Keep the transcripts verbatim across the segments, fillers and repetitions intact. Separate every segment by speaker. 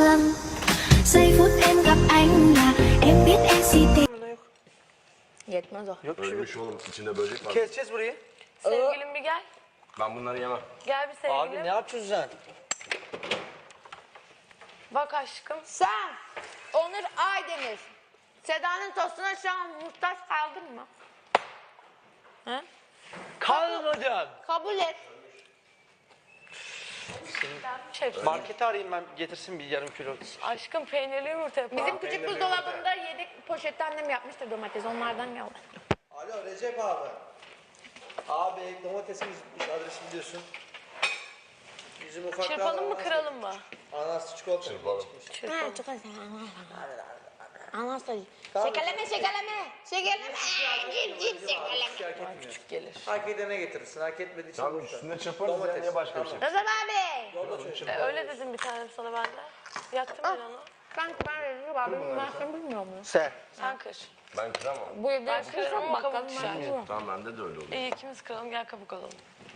Speaker 1: vâng giây phút em gặp anh là em biết em si tình.
Speaker 2: Yetmez o.
Speaker 3: Yok bir şey yok.
Speaker 4: Ölmüş oğlum, içinde böcek var.
Speaker 3: Keseceğiz burayı.
Speaker 2: Sevgilim bir gel.
Speaker 4: Ben bunları yemem.
Speaker 2: Gel bir sevgilim.
Speaker 3: Abi ne yapıyorsun sen?
Speaker 2: Bak aşkım.
Speaker 5: Sen Onur Aydemir. Seda'nın tostuna şu an muhtaç kaldın mı?
Speaker 2: He?
Speaker 3: Kalmadım.
Speaker 5: Kabul et.
Speaker 2: Şey,
Speaker 3: Markete arayayım ben, getirsin bir yarım kilo.
Speaker 2: aşkım peynirli yumurta yapalım.
Speaker 5: Bizim küçük buzdolabında yedek poşette annem yapmıştır domates. Onlardan yalım.
Speaker 6: Alo Recep abi. Abi domatesimiz bitmiş, adresi biliyorsun. Bizim ufakta
Speaker 2: Çırpalım mı kıralım mı?
Speaker 6: Ananaslı çikolata
Speaker 4: Çırpalım.
Speaker 6: çıkmış.
Speaker 5: Ha, çok az. Anlasın. Şekerleme, şekerleme. Şekerleme. Cip cip şekerleme.
Speaker 2: Küçük gelir.
Speaker 6: Hak edene getirirsin, hak etmediği için
Speaker 4: Tamam,
Speaker 6: boş ver.
Speaker 4: üstüne çırparız ya, niye başka bir şey?
Speaker 5: Rıza abi.
Speaker 6: Yolda çocuk.
Speaker 2: E, öyle dedim bir tanem sana ben de. Yaktım ben onu.
Speaker 5: Ben ben veririm abi. Ben sen bilmiyor musun?
Speaker 3: Sen.
Speaker 2: Sen kır.
Speaker 4: Ben kıramam.
Speaker 5: Bu evde
Speaker 2: Ben kırarım
Speaker 5: kırsam
Speaker 2: ama kabuk
Speaker 5: bakalım.
Speaker 2: düşer.
Speaker 4: Tamam, bende de öyle olur.
Speaker 2: İyi ikimiz kıralım gel kabuk alalım.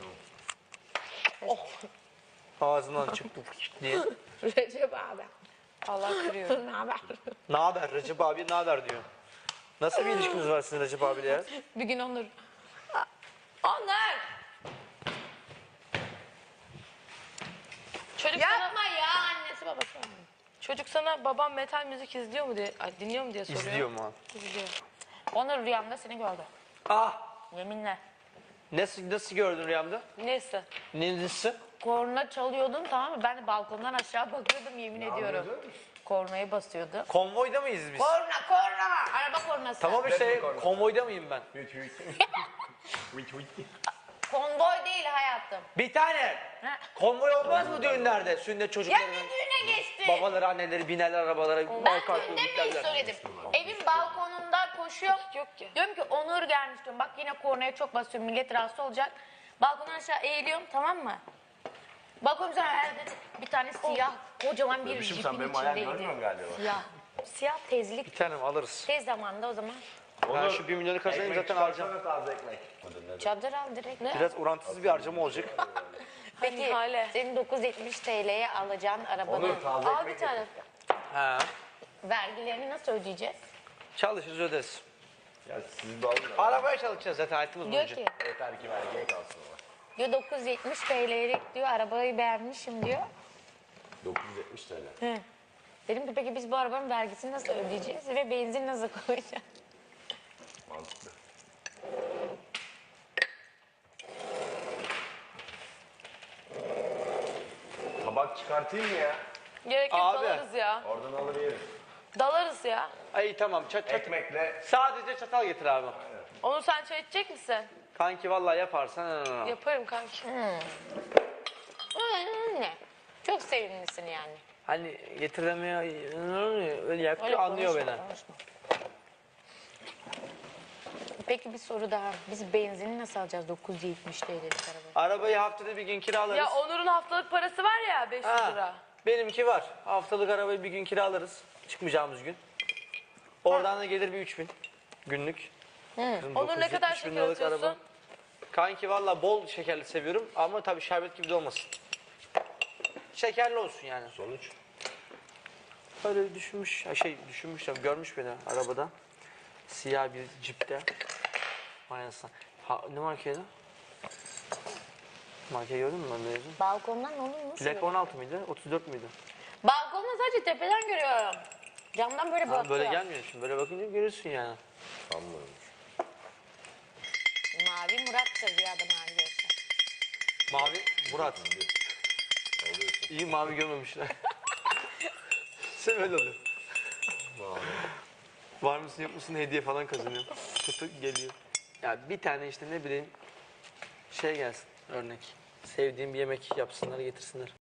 Speaker 3: Ağzından çıktı diye.
Speaker 5: Recep abi.
Speaker 2: Allah kırıyorum.
Speaker 5: Ne haber?
Speaker 3: Ne haber Recep abi, ne haber diyor. Nasıl bir ilişkiniz var sizin Recep abiyle ya?
Speaker 2: Bir gün Onur. Onur! Çocuk sana,
Speaker 5: Yapma ya annesi babası.
Speaker 2: çocuk sana babam metal müzik izliyor mu diye, ay, dinliyor mu diye soruyor.
Speaker 3: İzliyorum ha.
Speaker 2: İzliyor.
Speaker 5: Onur rüyamda seni gördü.
Speaker 3: Ah!
Speaker 5: Yeminle.
Speaker 3: Nasıl, nasıl gördün rüyamda?
Speaker 2: Neyse.
Speaker 3: Neyisi?
Speaker 5: Korna çalıyordun tamam mı? Ben de balkondan aşağı bakıyordum yemin ediyorum. Kornayı basıyordu.
Speaker 3: Konvoyda mıyız biz?
Speaker 5: Korna korna. Araba kornası.
Speaker 3: Tamam işte, konvoyda mıyım ben?
Speaker 5: Konvoy değil hayatım.
Speaker 3: Bir tane.
Speaker 5: Ha.
Speaker 3: Konvoy olmaz mı düğünlerde? Sünnet
Speaker 5: Ya
Speaker 3: çocuklarının
Speaker 5: ne düğüne geçti?
Speaker 3: babaları, anneleri binerler arabalara.
Speaker 5: Ben
Speaker 3: arka arkaya
Speaker 5: düğünde mi
Speaker 3: giderler.
Speaker 5: söyledim? Evin balkonunda koşuyor.
Speaker 2: Yok ki.
Speaker 5: Diyorum ki Onur gelmiş diyorum. Bak yine kornaya çok basıyorum. Millet rahatsız olacak. Balkondan aşağı eğiliyorum tamam mı? Bakıyorum sana herhalde bir tane siyah kocaman bir
Speaker 4: Bebişim,
Speaker 5: jipin
Speaker 4: sen benim ayağımı
Speaker 5: içindeydi.
Speaker 4: görmüyorsun galiba.
Speaker 5: Siyah. Siyah tezlik.
Speaker 3: Bir tanem alırız.
Speaker 5: Tez zamanda o zaman.
Speaker 3: Ben şu bir milyonu kazanayım zaten alacağım.
Speaker 4: Taze ekmek.
Speaker 5: Çadır al direkt. Ne?
Speaker 3: Biraz orantısız bir harcama olacak.
Speaker 5: Peki
Speaker 2: Hale.
Speaker 5: senin dokuz yüz yetmiş T L'ye alacağın arabanın
Speaker 4: Onur, taze
Speaker 2: Al
Speaker 4: ekmek
Speaker 2: bir tane.
Speaker 3: Ha.
Speaker 5: vergilerini nasıl ödeyeceğiz?
Speaker 3: Çalışırız öderiz.
Speaker 4: Ya siz de alın da.
Speaker 3: Arabaya çalışacağız zaten hayatımız
Speaker 5: Diyor
Speaker 3: boyunca.
Speaker 5: ki
Speaker 4: Yeter ki vergiye kalsın ama.
Speaker 5: diyor dokuz yüz yetmiş T L'lik diyor arabayı beğenmişim diyor.
Speaker 4: dokuz yüz yetmiş T L.
Speaker 5: Hı. Dedim ki peki biz bu arabanın vergisini nasıl ödeyeceğiz ve benzin nasıl koyacağız?
Speaker 4: Mantıklı. Tabak çıkartayım mı ya?
Speaker 2: Gerek yok
Speaker 3: Abi.
Speaker 2: dalarız ya.
Speaker 4: Oradan alır yerim.
Speaker 2: Dalarız ya.
Speaker 3: Ay tamam çat çat.
Speaker 4: Ekmekle.
Speaker 3: Sadece çatal getir abi.
Speaker 2: Onu sen çay içecek misin?
Speaker 3: Kanki vallahi yaparsan. ha, ha, ha.
Speaker 2: Yaparım kanki.
Speaker 5: Ne? Çok sevimlisin yani.
Speaker 3: Hani getir demeye öyle yapıyor
Speaker 5: Öyle
Speaker 3: anlıyor
Speaker 5: konuşma,
Speaker 3: beni.
Speaker 5: konuşma. Peki bir soru daha. Biz benzini nasıl alacağız dokuz yüz yetmiş T L'lik arabayı?
Speaker 3: Arabayı haftada bir gün kiralarız.
Speaker 2: Ya Onur'un haftalık parası var ya beş yüz
Speaker 3: Ha,
Speaker 2: lira.
Speaker 3: benimki var. Haftalık arabayı bir gün kiralarız. Çıkmayacağımız gün. Oradan da gelir bir üç bin günlük. Kızım,
Speaker 2: Onur ne kadar
Speaker 3: 970 bin
Speaker 2: şeker
Speaker 3: liralık
Speaker 2: atıyorsun?
Speaker 3: araba. Kanki valla bol şekerli seviyorum ama tabii şerbet gibi de olmasın. Şekerli olsun yani.
Speaker 4: Sonuç.
Speaker 3: Öyle düşünmüş, ha şey düşünmüş tabii, görmüş beni arabada. Siyah bir cipte. Aynısına. Ha, ne markaydı? Markayı gördün mü ben mezun?
Speaker 5: Balkondan onu nasıl?
Speaker 3: Plaka on altı mıydı? otuz dört müydü?
Speaker 5: Balkondan sadece tepeden görüyorum. Camdan böyle
Speaker 3: Ha,
Speaker 5: bakıyor.
Speaker 3: böyle gelmiyor şimdi. Böyle bakınca görürsün yani.
Speaker 4: Sanmıyorum.
Speaker 5: Mavi Murat'tır bir adam arkadaşlar.
Speaker 3: Mavi Murat. İyi mavi görmemişler. Sen öyle oluyor. Var mısın yok musun hediye falan kazanıyor. Kutu geliyor. Ya bir tane işte ne bileyim şey gelsin örnek. Sevdiğim bir yemek yapsınlar getirsinler.